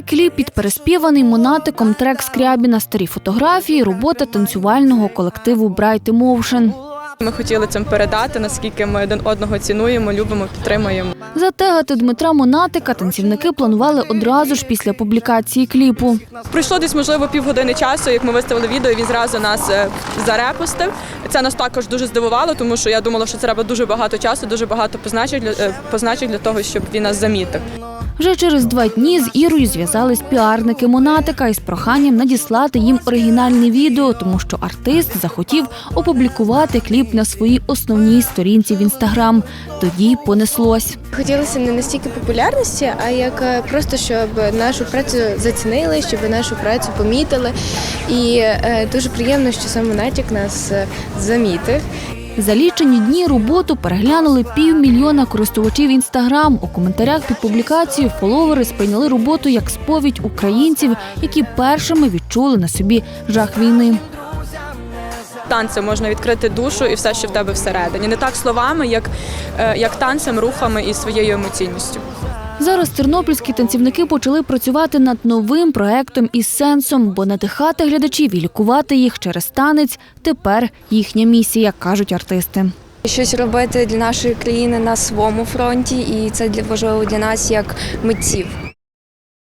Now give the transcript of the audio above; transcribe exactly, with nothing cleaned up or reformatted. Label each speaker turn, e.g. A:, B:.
A: Кліп під переспіваний Монатиком трек Скрябіна, старі фотографії, робота танцювального колективу Bright Emotion.
B: Ми хотіли цим передати, наскільки ми один одного цінуємо, любимо, підтримуємо.
A: Затегати Дмитра Монатика танцівники планували одразу ж після публікації кліпу.
B: Пройшло десь, можливо, півгодини часу, як ми виставили відео, і він зразу нас зарепостив. Це нас також дуже здивувало, тому що я думала, що це треба дуже багато часу, дуже багато позначень для, позначень для того, щоб він нас замітив.
A: Вже через два дні з Ірою зв'язались піарники Монатика із проханням надіслати їм оригінальне відео, тому що артист захотів опублікувати кліп на своїй основній сторінці в Інстаграм. Тоді понеслось.
C: Хотілося не настільки популярності, а як просто, щоб нашу працю зацінили, щоб нашу працю помітили. І дуже приємно, що сам Монатик нас замітив.
A: За лічені дні роботу переглянули півмільйона користувачів Інстаграм. У коментарях під публікацією фоловери сприйняли роботу як сповідь українців, які першими відчули на собі жах війни.
B: Танцем можна відкрити душу і все, що в тебе всередині. Не так словами, як, як танцем, рухами і своєю емоційністю.
A: Зараз тернопільські танцівники почали працювати над новим проектом із сенсом, бо надихати глядачів і лікувати їх через танець – тепер їхня місія, кажуть артисти.
D: Щось робити для нашої країни на своєму фронті, і це важливо для нас як митців.